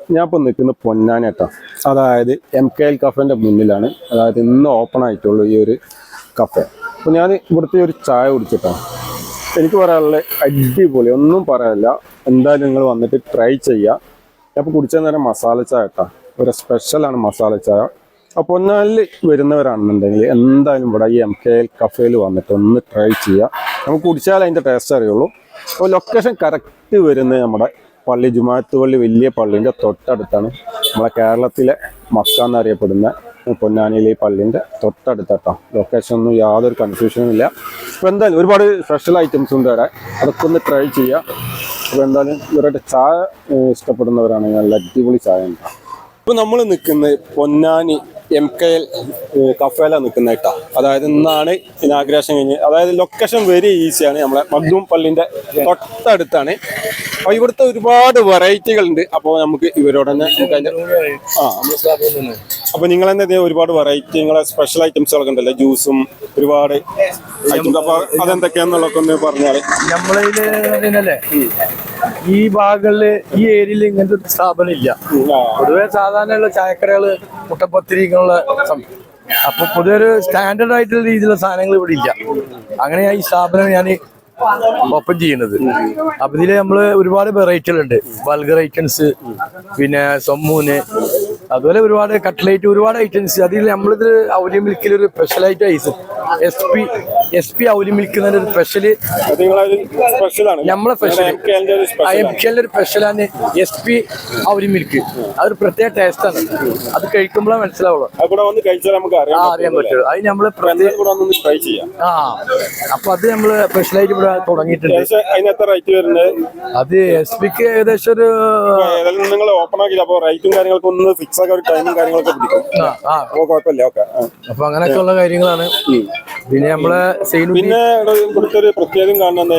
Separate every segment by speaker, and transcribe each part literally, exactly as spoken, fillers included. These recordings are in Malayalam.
Speaker 1: ഞാൻ ഇപ്പോൾ നിൽക്കുന്നത് പൊന്നാനിയാട്ടോ. അതായത് എം കെ എൽ കഫേൻ്റെ മുന്നിലാണ്. അതായത് ഇന്ന് ഓപ്പൺ ആയിട്ടുള്ളൂ ഈ ഒരു കഫേ. അപ്പോൾ ഞാൻ ഇവിടുത്തെ ഒരു ചായ കുടിച്ചിട്ടാണ്. എനിക്ക് പറയാനുള്ള അടിപൊളി, ഒന്നും പറയാനില്ല. എന്തായാലും നിങ്ങൾ വന്നിട്ട് ട്രൈ ചെയ്യുക. ഞാൻ ഇപ്പോൾ കുടിച്ച നേരം മസാല ചായ കേട്ടോ, ഒരു സ്പെഷ്യലാണ് മസാല ചായ. അപ്പോൾ പൊന്നാനിൽ വരുന്നവരാണെന്നുണ്ടെങ്കിൽ എന്തായാലും ഇവിടെ ഈ എം കെ എൽ കഫേയിൽ വന്നിട്ട് ഒന്ന് ട്രൈ ചെയ്യുക. നമുക്ക് കുടിച്ചാൽ അതിൻ്റെ ടേസ്റ്റ് അറിയുള്ളൂ. അപ്പോൾ ലൊക്കേഷൻ കറക്റ്റ് വരുന്നത് നമ്മുടെ പള്ളി, ജുമാഅത്ത് പള്ളി, വലിയ പള്ളീൻ്റെ തൊട്ടടുത്താണ്. നമ്മളെ കേരളത്തിലെ മക്ക എന്നറിയപ്പെടുന്ന പൊന്നാനിയിലെ ഈ പള്ളീൻ്റെ തൊട്ടടുത്താട്ടോ. ലൊക്കേഷൻ ഒന്നും യാതൊരു കൺഫ്യൂഷനും ഇല്ല. അപ്പോൾ എന്തായാലും ഒരുപാട് സ്പെഷ്യൽ ഐറ്റംസ് ഉണ്ട് അവിടെ, അതൊക്കെ ഒന്ന് ട്രൈ ചെയ്യുക. അപ്പോൾ എന്തായാലും ഇവരുടെ ചായ ഇഷ്ടപ്പെടുന്നവരാണെങ്കിൽ നല്ല അടിപൊളി ചായ ഉണ്ടാവും. ഇപ്പോൾ നമ്മൾ നിൽക്കുന്നത് പൊന്നാനി എം കെ എൽ കഫേലാണ് നിൽക്കുന്നത് കേട്ടോ. അതായത് ഇന്നാണ് ഇനാഗ്രേഷൻ കഴിഞ്ഞ്. അതായത് ലൊക്കേഷൻ വെരി ഈസിയാണ്, നമ്മളെ മഖ്ദൂം പള്ളിൻ്റെ തൊട്ടടുത്താണ്. അപ്പോൾ ഇവിടുത്തെ ഒരുപാട് വെറൈറ്റികളുണ്ട്. അപ്പോൾ നമുക്ക് ഇവരോട് തന്നെ ആ അപ്പോൾ നിങ്ങൾ തന്നെ ഒരുപാട് വെറൈറ്റി, നിങ്ങളെ സ്പെഷ്യൽ ഐറ്റംസുകളൊക്കെ ഉണ്ടല്ലോ, ജ്യൂസും ഒരുപാട് ഐറ്റംസ്. അപ്പോൾ അതെന്തൊക്കെയാണെന്നുള്ളതൊക്കെ ഒന്ന് പറഞ്ഞാൽ.
Speaker 2: നമ്മളതിലല്ലേ ഈ ഭാഗങ്ങളില് ഈ ഏരിയയിൽ ഇങ്ങനത്തെ ഒരു സ്ഥാപനം ഇല്ല. പൊതുവെ സാധാരണയുള്ള ചായക്കടകള്, മുട്ടപ്പത്തിരി ഇങ്ങനെയുള്ള അപ്പൊ പൊതുവെ ഒരു സ്റ്റാൻഡേർഡ് ആയിട്ടുള്ള രീതിയിലുള്ള സാധനങ്ങൾ ഇവിടെ ഇല്ല. അങ്ങനെയാണ് ഈ സ്ഥാപനം ഞാൻ ഓപ്പൺ ചെയ്യുന്നത്. അപ്പൊ ഇതില് നമ്മള് ഒരുപാട് വെറൈറ്റികളുണ്ട്, ബൾഗർ ഐറ്റംസ്, പിന്നെ സൊമ്മൂന്, അതുപോലെ ഒരുപാട് കട്ട്ലേറ്റ്, ഒരുപാട് ഐറ്റംസ്. അതിൽ നമ്മളിത് ഔലി മിൽക്കിൽ ഒരു സ്പെഷ്യലായിട്ട് ice S P S P ഔലി മിൽക്ക് എന്നൊരു സ്പെഷ്യല് നമ്മളെ സ്പെഷ്യൽ എം കെ ഒരു സ്പെഷ്യലാണ് എസ് പി ഔലി മിൽക്ക്. അതൊരു പ്രത്യേക ടേസ്റ്റാണ്. അത് കഴിക്കുമ്പോഴേ മനസ്സിലാവുള്ളൂ, അറിയാൻ പറ്റുള്ളൂ. അത് നമ്മള് ആ അപ്പൊ അത് നമ്മള് സ്പെഷ്യലായിട്ട് ഇവിടെ തുടങ്ങിയിട്ടുണ്ട്. അത് എസ് പിക്ക് ഏകദേശം ഒരു അപ്പൊ അങ്ങനെയൊക്കെ ഉള്ള കാര്യങ്ങളാണ്. പിന്നെ നമ്മളെ
Speaker 1: പിന്നെ ഒരു പ്രത്യേകം കാണുന്ന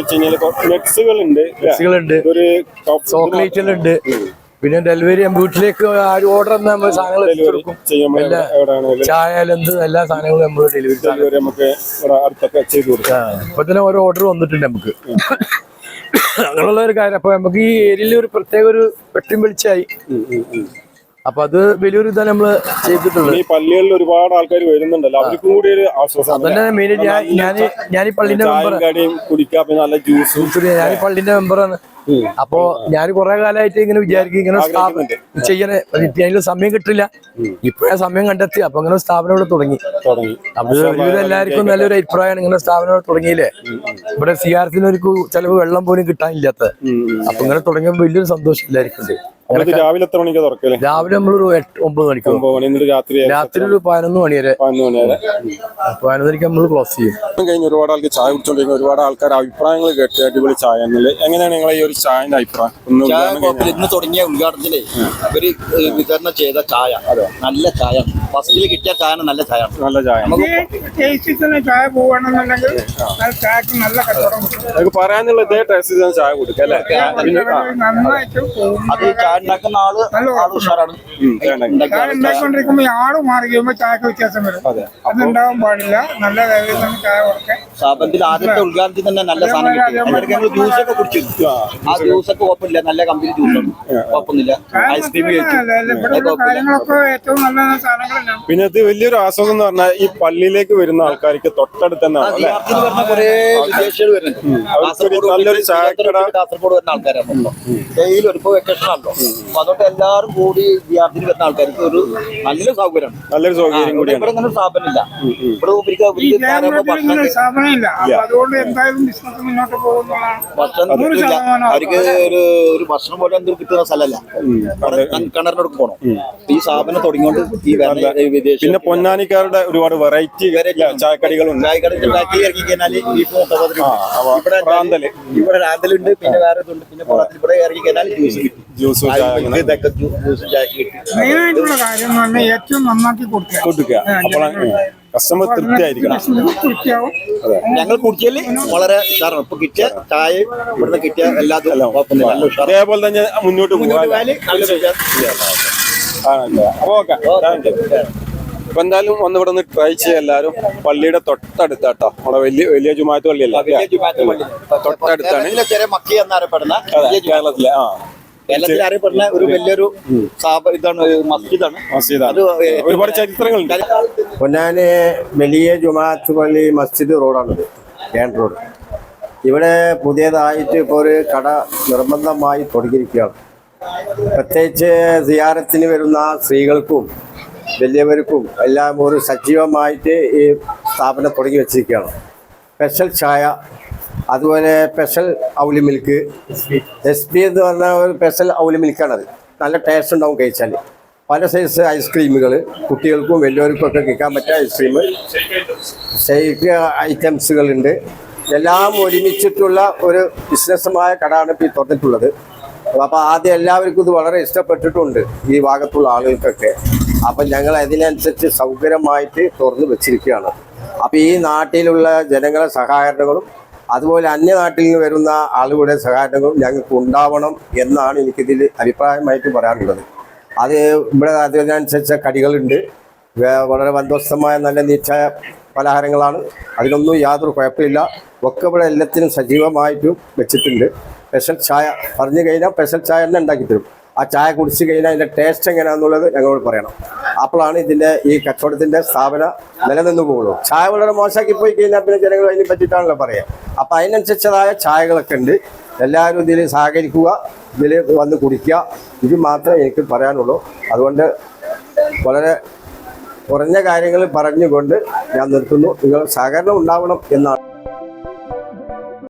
Speaker 2: ചോക്ലേറ്റുകളുണ്ട്. പിന്നെ ഡെലിവറി വീട്ടിലേക്ക് ഓർഡർ നമ്മൾ സാധനങ്ങൾ എത്തിച്ചെടുക്കും. ചായ എന്ത് എല്ലാ സാധനങ്ങളും നമ്മൾ ഡെലിവറി
Speaker 1: ചെയ്ത് കൊടുക്കാം.
Speaker 2: ഇപ്പൊ തന്നെ ഓരോ ഓർഡർ വന്നിട്ടുണ്ട് നമുക്ക്. അങ്ങനെയുള്ള ഒരു കാര്യം. അപ്പൊ നമുക്ക് ഈ ഏരിയയിൽ ഒരു പ്രത്യേക ഒരു വെട്ടിയും വെളിച്ചായി. അപ്പൊ അത് വലിയൊരു ഇതാണ് നമ്മള് ചെയ്തിട്ടുള്ളത്.
Speaker 1: ഈ പള്ളികളിൽ ഒരുപാട് ആൾക്കാർ വരുന്നുണ്ടല്ലോ, അവർക്കും കൂടി ഒരു ആശ്വാസം.
Speaker 2: അതന്നെ മെയിൻ. ഞാൻ ഞാൻ ഈ പള്ളിന്റെ മെമ്പർ,
Speaker 1: നല്ല ജ്യൂസും.
Speaker 2: ഞാൻ ഈ പള്ളിന്റെ മെമ്പറാണ്. അപ്പോ ഞാൻ കുറെ കാലമായിട്ട് ഇങ്ങനെ വിചാരിക്കും ഇങ്ങനെ ചെയ്യണേ, അതിനുള്ള സമയം കിട്ടില്ല. ഇപ്പോഴാ സമയം കണ്ടെത്തി. അപ്പൊ ഇങ്ങനെ സ്ഥാപനം ഇവിടെ തുടങ്ങി. അത് ഒരുവിധം എല്ലാവർക്കും നല്ലൊരു അഭിപ്രായമാണ്. ഇങ്ങനെ സ്ഥാപനം ഇവിടെ തുടങ്ങിയില്ലേ. ഇവിടെ സി ആർ സിന് ഒരു ചിലവ് വെള്ളം പോലും കിട്ടാനില്ലാത്ത. അപ്പൊ ഇങ്ങനെ തുടങ്ങിയപ്പോൾ വലിയൊരു സന്തോഷം എല്ലാവർക്കും ഉണ്ട്.
Speaker 1: രാവിലെ എത്ര മണിക്ക് തുറക്കല്?
Speaker 2: രാവിലെ നമ്മളൊരു ഒമ്പത് മണിക്ക്, രാത്രി ഒരു പതിനൊന്ന് മണി വരെ. പതിനൊന്നരക്ക് നമ്മൾ ക്ലോസ് ചെയ്യും.
Speaker 1: കഴിഞ്ഞ ഒരുപാട് ആൾക്ക് ചായ കുടിച്ചോണ്ടിരിക്കുന്ന ഒരുപാട് ആൾക്കാർ അഭിപ്രായങ്ങൾ കേട്ട് അടിപൊളി ചായ എന്നുള്ളത്. എങ്ങനെയാണ് നിങ്ങളെ ഈ ഒരു ചായന്റെ അഭിപ്രായം?
Speaker 3: ഇന്ന് തുടങ്ങിയ ഉദ്ഘാടനത്തില് ഇവര് വിതരണം ചെയ്ത ചായ നല്ല ചായ, ഫസ്റ്റില് കിട്ടിയ ചായ നല്ല ചായ, നല്ല ചായ.
Speaker 4: ചായ പോവാണെന്നുണ്ടെങ്കിൽ
Speaker 1: നമുക്ക് പറയാനുള്ള ഇതേ ടേസ്റ്റ് ചായ കൊടുക്കാം അല്ലേ?
Speaker 3: അത് ചായ ഉണ്ടാക്കുന്ന ആള് ആള് ഉഷാറാണ്.
Speaker 4: ഉണ്ടാക്കിക്കൊണ്ടിരിക്കുമ്പോ ആള് മാറി കഴിയുമ്പോ ചായക്ക് വ്യത്യാസം വരും. അതുണ്ടാവാൻ പാടില്ല. നല്ല ചായ കൊടുക്കാൻ
Speaker 3: സ്ഥാപനത്തിൽ ആദ്യത്തെ ഉദ്ഘാടനത്തിൽ തന്നെ നല്ല സാധനം കിട്ടി. ഞങ്ങൾ ജ്യൂസൊക്കെ കുടിച്ചു. ആ ജ്യൂസൊക്കെ കുഴപ്പമില്ല, നല്ല കമ്പനി ജ്യൂസാണ്, കുഴപ്പമൊന്നുമില്ല. ഐസ്ക്രീം
Speaker 4: കാര്യങ്ങളൊക്കെ ഏറ്റവും നല്ല സാധനങ്ങളാണ്.
Speaker 1: പിന്നെ ഇത് വലിയൊരു ആശ്വാസം എന്ന് പറഞ്ഞാൽ ഈ പള്ളിയിലേക്ക് വരുന്ന ആൾക്കാർക്ക് തൊട്ടടുത്ത് തന്നെ
Speaker 3: കുറെ വിദേശികൾ വരുന്നുണ്ട്. കാസർഗോഡ് വരുന്ന ആൾക്കാരാണ്. ഡെയിലി ഒരു വെക്കേഷൻ ആണല്ലോ. അപ്പൊ അതുകൊണ്ട് എല്ലാവരും കൂടി വിദ്യാർത്ഥിയിൽ വരുന്ന ആൾക്കാർക്ക് ഒരു നല്ല സൗകര്യമാണ്, നല്ലൊരു സൗകര്യം കൂടി. ഇവിടെ ഇങ്ങനെ സ്ഥാപനമില്ല. ഇവിടെ
Speaker 4: സ്ഥാപനമില്ല. അതുകൊണ്ട് എന്തായാലും ബിസിനസ് മുന്നോട്ട് പോകുന്നതാണ്.
Speaker 3: അവർക്ക് ഒരു ഒരു ഭക്ഷണം പോലെ എന്തൊരു കിട്ടുന്ന സ്ഥലമല്ല. കിണറിനോട് പോകണം. ഈ സ്ഥാപനം തുടങ്ങിക്കൊണ്ട് ഈ വിദേശ
Speaker 1: പിന്നെ പൊന്നാനിക്കാരുടെ ഒരുപാട് വെറൈറ്റി ചായക്കടികളുണ്ട്.
Speaker 3: ചായക്കടി ഉണ്ടാക്കി ഇറക്കി കഴിഞ്ഞാൽ ബീഫ് മുട്ട ഇവിടെ ഇവിടെ റാന്തലുണ്ട്. പിന്നെ വേറെ ഇതുണ്ട്. പിന്നെ ഇവിടെ ഇറക്കി കഴിഞ്ഞാൽ ജ്യൂസ്
Speaker 1: ജ്യൂസ്
Speaker 4: മെയിനായിട്ടുള്ള കാര്യം എന്ന് പറഞ്ഞാൽ ഏറ്റവും നന്നാക്കി കൊടുക്കുക.
Speaker 1: കസ്റ്റമർ തൃപ്തിയായിരിക്കണം.
Speaker 3: ഞങ്ങൾ കുടിച്ചാല് വളരെ ഉഷാറാണ്. ഇപ്പൊ കിട്ടിയ ചായ ഇവിടുന്ന് കിട്ടിയ എല്ലാതും
Speaker 1: അതേപോലെ തന്നെ മുന്നോട്ട് പോകാൻ. അപ്പൊ എന്തായാലും ഒന്ന് ഇവിടെ നിന്ന് ട്രൈ ചെയ്യാം എല്ലാരും. പള്ളിയുടെ തൊട്ടടുത്താട്ടോ, നമ്മുടെ വലിയ വലിയ ജുമാഅത്ത് പള്ളിയല്ല, തൊട്ടടുത്താണ് കേരളത്തിലെ. ആ
Speaker 3: കേരളത്തിൽ അറിയപ്പെടുന്ന ഒരു വലിയൊരു സ്ഥാപ ഇതാണ് മസ്ജിദാണ് അത്
Speaker 1: ഒരുപാട് ചരിത്രങ്ങളുണ്ട്.
Speaker 5: പൊന്നാനി വലിയ ജുമാഅത്ത് പള്ളി മസ്ജിദ് റോഡാണിത്, കേൺ റോഡ്. ഇവിടെ പുതിയതായിട്ട് ഇപ്പോൾ ഒരു കട നിർബന്ധമായി തുടങ്ങിയിരിക്കുകയാണ്. പ്രത്യേകിച്ച് സിയാറത്തിന് വരുന്ന സ്ത്രീകൾക്കും വലിയവർക്കും എല്ലാം ഒരു സജീവമായിട്ട് ഈ സ്ഥാപനം തുടങ്ങി വെച്ചിരിക്കുകയാണ്. സ്പെഷ്യൽ ചായ, അതുപോലെ സ്പെഷ്യൽ ഔലി മിൽക്ക്, എസ് പി എന്ന് പറഞ്ഞ ഒരു സ്പെഷ്യൽ ഔലി മിൽക്കാണത്. നല്ല ടേസ്റ്റ് ഉണ്ടാവും കഴിച്ചാൽ. പല സൈസ് ഐസ്ക്രീമുകൾ കുട്ടികൾക്കും വലിയവർക്കും ഒക്കെ കഴിക്കാൻ പറ്റിയ ഐസ്ക്രീം, ഷേക്ക് ഐറ്റംസുകളുണ്ട്. എല്ലാം ഒരുമിച്ചിട്ടുള്ള ഒരു ബിസിനസ്സുമായ കടയാണ് ഇപ്പോൾ ഈ തുറന്നിട്ടുള്ളത്. അപ്പോൾ ആദ്യം എല്ലാവർക്കും ഇത് വളരെ ഇഷ്ടപ്പെട്ടിട്ടുണ്ട്, ഈ ഭാഗത്തുള്ള ആളുകൾക്കൊക്കെ. അപ്പം ഞങ്ങൾ അതിനനുസരിച്ച് സൗകര്യമായിട്ട് തുറന്നു വെച്ചിരിക്കുകയാണ്. അപ്പോൾ ഈ നാട്ടിലുള്ള ജനങ്ങളെ സഹകരണങ്ങളും അതുപോലെ അന്യനാട്ടിൽ നിന്ന് വരുന്ന ആളുകളുടെ സഹകരണങ്ങളും ഞങ്ങൾക്ക് ഉണ്ടാവണം എന്നാണ് എനിക്കിതിൽ അഭിപ്രായമായിട്ട് പറയാനുള്ളത്. അത് ഇവിടെ അതിനനുസരിച്ച കടികളുണ്ട്, വളരെ ബന്ധോസ്തമായ നല്ല നീച്ചായ പലഹാരങ്ങളാണ്. അതിനൊന്നും യാതൊരു കുഴപ്പമില്ല. ഒക്കെ ഇവിടെ എല്ലാത്തിനും സജീവമായിട്ടും വെച്ചിട്ടുണ്ട്. സ്പെഷ്യൽ ചായ പറഞ്ഞു കഴിഞ്ഞാൽ സ്പെഷ്യൽ ചായ തന്നെ ഉണ്ടാക്കി തരും. ആ ചായ കുടിച്ച് കഴിഞ്ഞാൽ അതിൻ്റെ ടേസ്റ്റ് എങ്ങനെയാണെന്നുള്ളത് ഞങ്ങളോട് പറയണം. അപ്പോഴാണ് ഇതിൻ്റെ ഈ കച്ചവടത്തിൻ്റെ സ്ഥാപന നിലനിന്ന് പോകുള്ളൂ. ചായ വളരെ മോശമാക്കി പോയി കഴിഞ്ഞാൽ പിന്നെ ജനങ്ങൾ അതിനെ പറ്റിയിട്ടാണല്ലോ പറയുക. അപ്പോൾ അതിനനുസരിച്ചതായ ചായകളൊക്കെ ഉണ്ട്. എല്ലാവരും ഇതിൽ സഹകരിക്കുക, ഇതിൽ വന്ന് കുടിക്കുക. ഇത് മാത്രമേ എനിക്ക് പറയാനുള്ളൂ. അതുകൊണ്ട് വളരെ കുറഞ്ഞ കാര്യങ്ങൾ പറഞ്ഞുകൊണ്ട് ഞാൻ നിർത്തുന്നു. നിങ്ങൾ സഹകരണം ഉണ്ടാവണം എന്നാണ്.